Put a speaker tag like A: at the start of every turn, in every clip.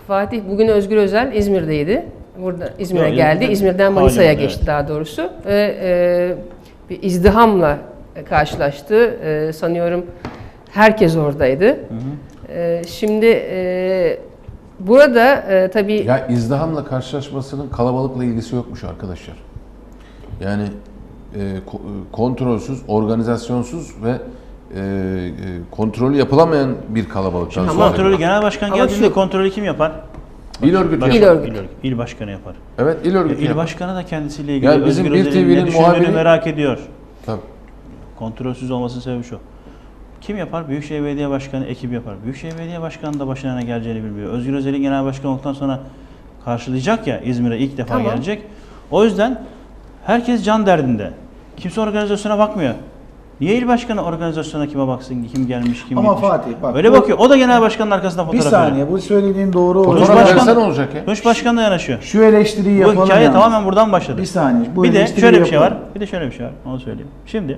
A: Fatih bugün Özgür Özel İzmir'deydi. Burada İzmir'e
B: Yok,
A: geldi.
B: İzmir'de
A: İzmir'den Manisa'ya
B: hala,
A: geçti
B: evet.
A: daha doğrusu. Ve bir izdihamla karşılaştı. Sanıyorum herkes oradaydı. Şimdi burada tabii...
C: Ya izdihamla karşılaşmasının kalabalıkla ilgisi yokmuş arkadaşlar. Yani kontrolsüz, organizasyonsuz ve kontrolü yapılamayan bir kalabalıktan
B: Şimdi
C: sonra.
B: kontrolü genel başkan
A: Ama
B: geldiğinde
A: şu-
B: kontrolü kim yapar?
C: İl örgütü
A: İl
C: yapar.
A: örgütü.
B: İl başkanı yapar.
C: Evet, il örgütü
B: İl
C: yapar.
B: başkanı da kendisiyle ilgili
C: Yani bizim
B: Özgür
C: bir
B: Özel'in ne
C: TV'nin
B: düşündüğünü
C: muhabiri-
B: merak ediyor.
C: Tabii.
B: Kontrolsüz olmasının sebebi şu. Kim yapar? Büyükşehir Belediye Başkanı ekibi yapar. Büyükşehir Belediye Başkanı da başına ne geleceğini bilmiyor. Özgür Özel'in genel başkan olduktan sonra karşılayacak ya, İzmir'e ilk defa
A: Tamam.
B: gelecek. O yüzden herkes can derdinde. Kimse organizasyona bakmıyor. Niye il başkanı organizasyona kime baksın, kim gelmiş, kim
D: Ama
B: gitmiş?
D: Fatih bak.
B: Öyle bakıyor. O da genel başkanın arkasında
D: Bir
B: fotoğraf veriyor.
D: saniye, bu söylediğin doğru.
B: Tunç
C: Fotoğraf
B: Başkan-
C: versen olacak ya.
B: Tunç Başkan da yanaşıyor.
D: Şu eleştiriyi
B: Bu
D: yapalım.
B: hikaye
D: yalnız.
B: tamamen buradan başladı.
D: Bir saniye. Bu
B: Bir de
D: eleştiriyi
B: şöyle bir şey
D: yapalım.
B: var. Bir de şöyle bir şey var. Onu söyleyeyim. Şimdi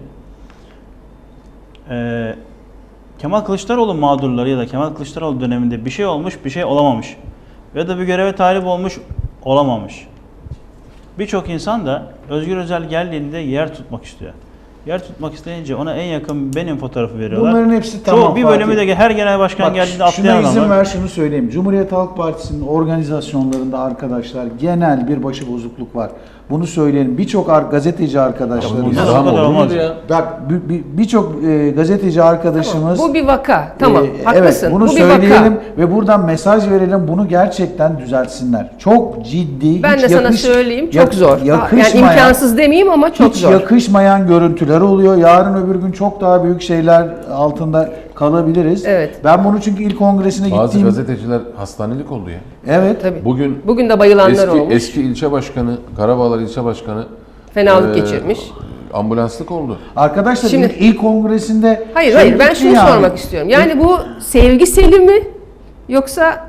B: Kemal Kılıçdaroğlu mağdurları ya da Kemal Kılıçdaroğlu döneminde bir şey olmuş, bir şey olamamış. Ya da bir göreve talip olmuş, olamamış. Birçok insan da Özgür Özel geldiğinde yer tutmak istiyor. Yer tutmak isteyince ona en yakın benim fotoğrafı veriyorlar.
D: Bunların hepsi
B: Çoğu
D: tamam.
B: bir bölümü
D: Fatih.
B: de her genel başkan
D: Bak,
B: geldiğinde
D: şuna
B: atlayan
D: izin
B: adam var.
D: ver, şunu söyleyeyim. Cumhuriyet Halk Partisi'nin organizasyonlarında arkadaşlar genel bir başıbozukluk var. Bunu söyleyelim. Birçok gazeteci arkadaşlarımız.
B: bunlar
C: İzdiham
B: o kadar
C: olur mu
B: olmaz.
C: ya?
D: Bak birçok gazeteci arkadaşımız.
A: Bu bir vaka. Tamam. Haklısın.
D: Evet, bunu
A: bu bir
D: söyleyelim
A: vaka.
D: ve buradan mesaj verelim. Bunu gerçekten düzeltsinler. Çok ciddi.
A: Ben
D: hiç
A: de sana söyleyeyim çok zor. Yani
D: Yakışmayan,
A: imkansız demeyeyim ama çok
D: hiç
A: zor.
D: yakışmayan görüntüler oluyor. Yarın öbür gün çok daha büyük şeyler altında kalabiliriz.
A: Evet.
D: Ben bunu çünkü ilk kongresine
C: Bazı
D: gittiğim...
C: gazeteciler hastanelik oldu ya.
D: Evet.
A: Tabii.
C: Bugün
A: de bayılanlar olmuş.
C: eski ilçe başkanı, Karabağlar ilçe başkanı
A: Fenalık geçirmiş.
C: ambulanslık oldu.
D: Arkadaşlar
A: Şimdi-
D: ilk kongresinde...
A: Hayır ben
D: gitti
A: şunu
D: yani.
A: sormak istiyorum. Yani bu sevgiseli mi yoksa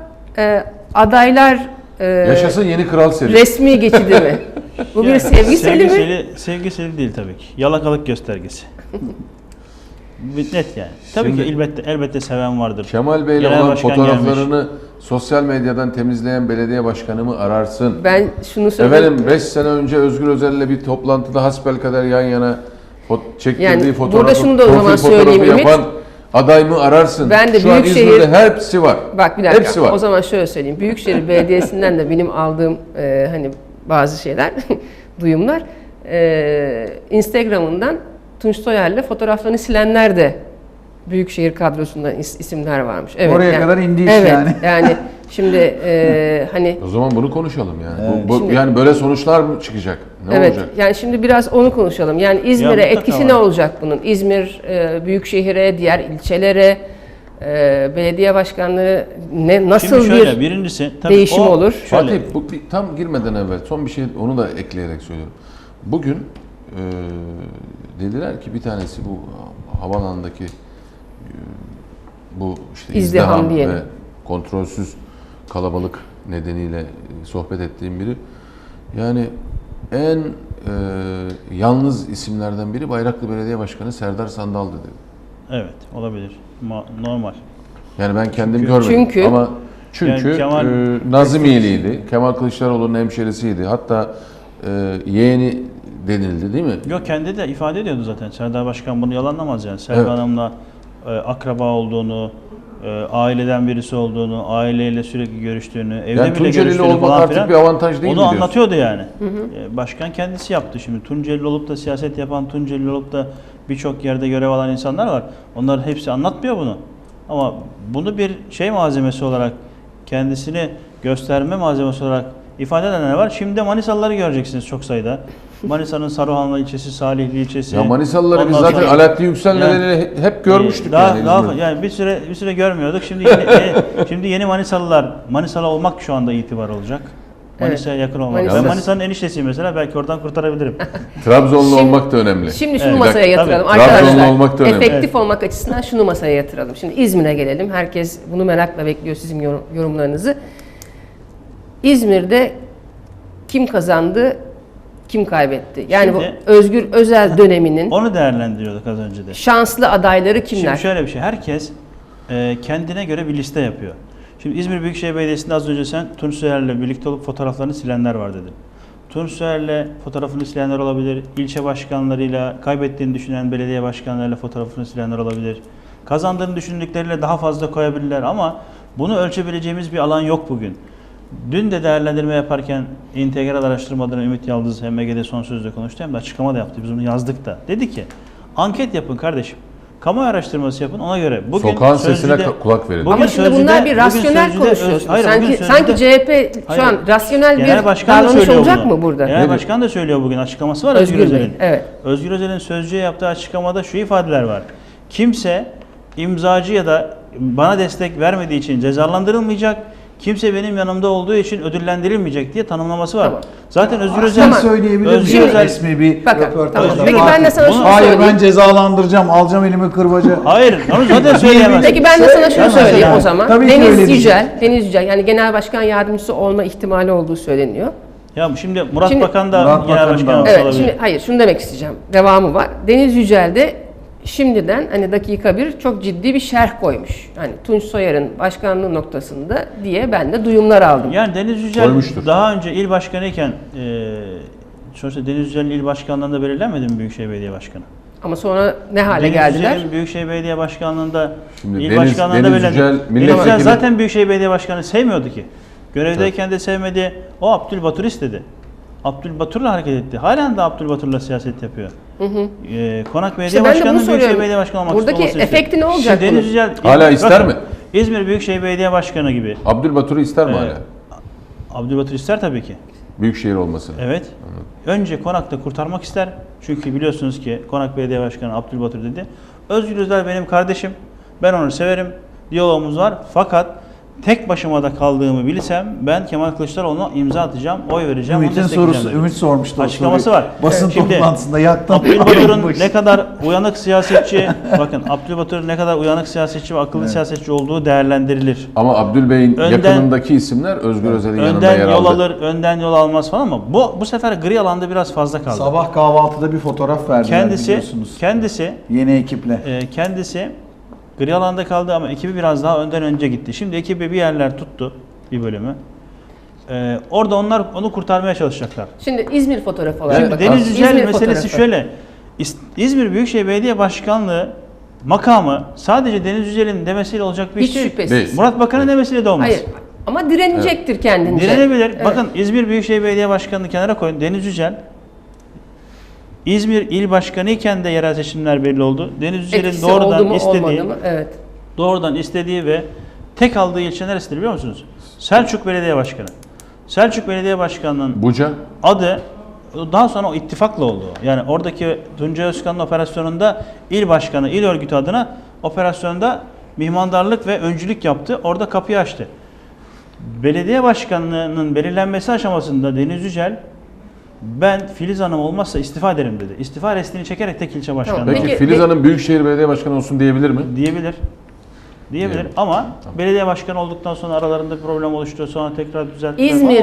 A: adaylar
C: Yaşasın yeni kral seri.
A: resmi geçidi mi? Bu bir
B: Yani
A: sevgiseli mi?
B: Sevgiseli değil tabii ki. Yalakalık göstergesi. Net yani. Tabii
C: Şimdi-
B: ki elbette seven vardır.
C: Kemal Bey'le
B: Genel
C: olan
B: başkan
C: fotoğraflarını sosyal medyadan temizleyen belediye başkanımı ararsın.
A: Ben şunu söyleyeyim.
C: Efendim 5 sene önce Özgür Özel'le bir toplantıda hasbelkader yan yana çektirdiği
A: Yani
C: fotoğrafı,
A: burada şunu da o
C: profil
A: zaman
C: fotoğrafı
A: söyleyeyim Ümit.
C: yapan aday mı ararsın?
A: Ben de
C: Şu an
A: Büyükşehir-
C: İzmir'de hepsi var.
A: Bak bir dakika.
C: Hepsi var.
A: O zaman şöyle söyleyeyim. Büyükşehir Belediyesi'nden de benim aldığım hani bazı şeyler, duyumlar. Instagram'ından Tunç Soyer'le fotoğraflarını silenler de Büyükşehir kadrosunda isimler varmış. Evet,
D: Oraya kadar indi iş
A: evet,
D: yani.
A: Yani şimdi hani
C: O zaman bunu konuşalım yani.
A: Şimdi-
C: Yani böyle sonuçlar mı çıkacak? Ne
A: evet,
C: olacak?
A: yani şimdi biraz onu konuşalım. Yani İzmir'e
B: mutlaka
A: etkisi
B: var.
A: ne olacak bunun? İzmir Büyükşehir'e, diğer ilçelere, belediye başkanlığı nasıl
B: Şimdi şöyle,
A: bir
B: birincisi tabii
A: değişim
B: o-
A: olur?
B: Şöyle,
C: Fatih tam girmeden evvel son bir şey onu da ekleyerek söylüyorum. Bugün dediler ki bir tanesi bu havalandaki bu işte
A: İzdiham
C: izdiham
A: diyelim.
C: ve kontrolsüz kalabalık nedeniyle sohbet ettiğim biri. Yani en yalnız isimlerden biri Bayraklı Belediye Başkanı Serdar Sandal'dı dedi.
B: evet olabilir. Normal.
C: Yani ben kendim
B: Çünkü-
C: görmedim
A: Çünkü-
C: ama çünkü
B: Yani Kemal-
C: Nazımiyeliydi. Kemal Kılıçdaroğlu'nun hemşerisiydi. Hatta yeğeni denildi değil mi?
B: Yok kendi de ifade ediyordu zaten. Serdar Başkan bunu yalanlamaz yani. Serdar
C: Evet.
B: Hanım'la akraba olduğunu, aileden birisi olduğunu, aileyle sürekli görüştüğünü, evde
C: Yani
B: bile
C: Tunceli'li
B: görüştüğünü
C: olmak
B: falan
C: artık
B: filan.
C: bir avantaj değil mi
B: Onu
C: diyorsun?
B: anlatıyordu yani. Başkan kendisi yaptı şimdi. Tunceli olup da siyaset yapan, Tunceli olup da birçok yerde görev alan insanlar var. Onların hepsi anlatmıyor bunu. Ama bunu bir şey malzemesi olarak, kendisini gösterme malzemesi olarak ifade edenler var. Şimdi de Manisalıları göreceksiniz çok sayıda. Manisa'nın Saruhanlı ilçesi, Salihli ilçesi.
C: Ya Manisalıları biz
B: Ondan
C: zaten
B: sonra-
C: Alaaddin Yüksel
B: Yani-
C: nedeniyle hep görmüştük
B: daha,
C: yani
B: daha
C: İzmir'de.
B: yani bir süre görmüyorduk. Şimdi yeni Manisalılar, Manisalı olmak şu anda itibar olacak. Manisa'ya yakın olmak.
A: Manisa-
B: Ben Manisa'nın eniştesiyim mesela, belki oradan kurtarabilirim.
C: Trabzonlu
A: Şimdi-
C: olmak da önemli.
A: Şimdi şunu
B: Evet,
A: masaya
B: tabii.
A: yatıralım
C: Trabzonlu
A: arkadaşlar.
C: olmak da önemli.
A: Efektif olmak açısından şunu masaya yatıralım. Şimdi İzmir'e gelelim. Herkes bunu merakla bekliyor sizin yorumlarınızı. İzmir'de kim kazandı, kim kaybetti? Yani
B: Şimdi-
A: bu Özgür Özel döneminin
B: Onu değerlendiriyorduk az önce de.
A: şanslı adayları kimler?
B: Şimdi şöyle bir şey, herkes kendine göre bir liste yapıyor. Şimdi İzmir Büyükşehir Belediyesi'nde az önce sen Tunç Soyer'le birlikte olup fotoğraflarını silenler var dedin. Tunç Soyer'le fotoğrafını silenler olabilir. İlçe başkanlarıyla, kaybettiğini düşünen belediye başkanlarıyla fotoğrafını silenler olabilir. Kazandığını düşündükleriyle daha fazla koyabilirler ama bunu ölçebileceğimiz bir alan yok bugün. Dün de değerlendirme yaparken İntegral Araştırmaları Ümit Yıldız hem MG'de son sözde konuştu hem de açıklama da yaptı. Biz bunu yazdık da. Dedi ki anket yapın kardeşim. Kamuoyu araştırması yapın ona göre. Bugün
C: Sokağın sesine
B: Sözcü'de-
C: kulak verin.
B: Bugün
A: Ama şimdi
B: Sözcü'de-
A: bunlar bir
B: bugün
A: rasyonel
B: Sözcü'de-
A: konuşuyorsun.
B: Hayır, bugün
A: sanki
B: Sözcü'de-
A: CHP şu
B: Hayır.
A: an rasyonel
B: Genel
A: bir
B: Başkan da
A: davranış
B: söylüyor
A: olacak
B: bunu.
A: mı burada?
B: Genel
C: Nedir?
B: Başkan da söylüyor bugün açıklaması var
A: Özgür
B: Özgür
A: Bey,
B: Özel'in.
A: evet.
B: Özgür Özel'in Sözcü'ye yaptığı açıklamada şu ifadeler var. Kimse imzacı ya da bana destek vermediği için cezalandırılmayacak. Kimse benim yanımda olduğu için ödüllendirilmeyecek diye tanımlaması var.
A: Tamam.
B: Zaten Özgür
D: Aslında
B: Özel
A: Tamam.
D: söyleyebilir
B: Özgür
D: miyim?
B: Özel-
D: Resmi bir
A: Bakın,
D: röportaj.
A: tamam.
B: Özgür
A: Peki
B: Özel-
A: ben de sana şunu
D: Hayır
A: söyleyeyim.
D: ben cezalandıracağım, alacağım elime kırbacı.
B: Hayır, onu zaten söyleyemez.
A: Peki ben de sana şunu
B: Tamam,
A: söyleyeyim
B: tamam.
A: o zaman.
D: Tabii ki
A: Deniz
D: öyle
A: Yücel, Deniz Yücel yani genel başkan yardımcısı olma ihtimali olduğu söyleniyor.
B: Ya şimdi Murat
A: Şimdi-
B: Bakan da
D: Murat
B: genel
D: Bakan da
B: başkan
D: var.
A: Evet,
B: olabilir.
A: şimdi hayır şunu demek isteyeceğim. Devamı var. Deniz Yücel de şimdiden hani dakika bir çok ciddi bir şerh koymuş. Hani Tunç Soyer'in başkanlığı noktasında diye ben de duyumlar aldım.
B: Yani Deniz Yücel
C: Koymuştur.
B: daha önce il başkanıyken sonuçta Deniz Yücel'in il başkanlığında belirlenmedi mi Büyükşehir Belediye Başkanı?
A: Ama sonra ne hale
B: Deniz
A: geldiler?
B: Yücel'in Büyükşehir Belediye Başkanlığında
C: Şimdi
B: il
C: Deniz-
B: başkanlığında
C: Deniz
B: belirlendi.
C: Yücel
B: Deniz
C: milletvekili-
B: Yücel zaten Büyükşehir Belediye Başkanı sevmiyordu ki. Görevdeyken de sevmedi. O Abdülbatur istedi. Abdülbatur'la hareket etti. Halen de Abdülbatur'la siyaset yapıyor. Konak Belediye
A: İşte ben de bunu
B: Başkanı'nın Büyükşehir
A: soruyorum.
B: Belediye Başkanı olmak
A: Buradaki
B: olmasını istiyor.
A: efekti ne olacak
B: Şimdi Deniz
A: bunun?
B: Yücel
C: Hala ister
B: bakın,
C: mi?
B: İzmir Büyükşehir Belediye Başkanı gibi.
C: Abdülbatur'u ister mi
B: Ee,
C: hala?
B: Abdülbatur ister tabii ki.
C: Büyükşehir olmasını.
B: Evet. Önce Konak'ta kurtarmak ister. Çünkü biliyorsunuz ki Konak Belediye Başkanı Abdülbatur dedi. Özgür Özel benim kardeşim. Ben onu severim. Diyalogumuz var. Fakat tek başıma da kaldığımı bilsem ben Kemal Kılıçdaroğlu'na imza atacağım, oy vereceğim, onu
D: Ümit'in
B: destekleyeceğim
D: sorusu,
B: dedi.
D: Ümit sormuştu o
B: Açıklaması
D: soruyu.
B: var.
D: Basın
B: Şimdi
D: toplantısında yaktım.
B: Abdülbatur'un ne kadar uyanık siyasetçi, bakın Abdülbatur'un ne kadar uyanık siyasetçi ve akıllı siyasetçi olduğu değerlendirilir.
C: Ama Abdülbey'in
B: Önden-
C: yakınındaki isimler Özgür Özel'in yanında
B: Önden
C: yer
B: yol
C: aldı.
B: alır, önden yol almaz falan ama bu sefer gri alanda biraz fazla kaldı.
D: Sabah kahvaltıda bir fotoğraf verdiler biliyorsunuz.
B: Kendisi
D: Yeni ekiple.
B: kendisi gri alanda kaldı ama ekibi biraz daha önden önce gitti. Şimdi ekibi bir yerler tuttu, bir bölümü. Orada onlar onu kurtarmaya çalışacaklar.
A: Şimdi İzmir fotoğrafı olarak
C: Evet,
A: bakalım.
B: Deniz Yücel
A: İzmir
B: meselesi
A: fotoğrafı.
B: şöyle. İzmir Büyükşehir Belediye Başkanlığı makamı sadece Deniz Yücel'in demesiyle olacak bir
A: Hiç
B: iş değil.
A: şüphesiz.
C: Değil.
B: Murat Bakan'ın demesiyle de olmaz.
A: Hayır. Ama direnecektir kendince.
B: Direnebilir.
A: Evet.
B: Bakın İzmir Büyükşehir Belediye Başkanı'nı kenara koyun. Deniz Yücel İzmir İl Başkanı iken de yerel seçimler belli oldu. Deniz Yücel'in
A: Etkisi oldu
B: doğrudan
A: mu
B: istediği,
A: olmadı mı? Evet.
B: doğrudan istediği ve tek aldığı ilçe neresidir biliyor musunuz? Selçuk Belediye Başkanı. Selçuk Belediye Başkanı'nın
C: Buca.
B: adı daha sonra o ittifakla oldu. Yani oradaki Tuncay Özkan'ın operasyonunda il başkanı, il örgütü adına operasyonda mihmandarlık ve öncülük yaptı. Orada kapıyı açtı. Belediye başkanlığının belirlenmesi aşamasında Deniz Yücel ben Filiz Hanım olmazsa istifa ederim dedi. İstifa restini çekerek tek ilçe başkanı
A: Tamam,
C: Peki
A: Peki,
C: Filiz Hanım Büyükşehir Belediye Başkanı olsun diyebilir mi?
B: diyebilir. Diyebilir
C: Diyebilir.
B: ama belediye başkanı olduktan sonra aralarında bir problem oluştu. Sonra tekrar düzelttiler.
A: İzmir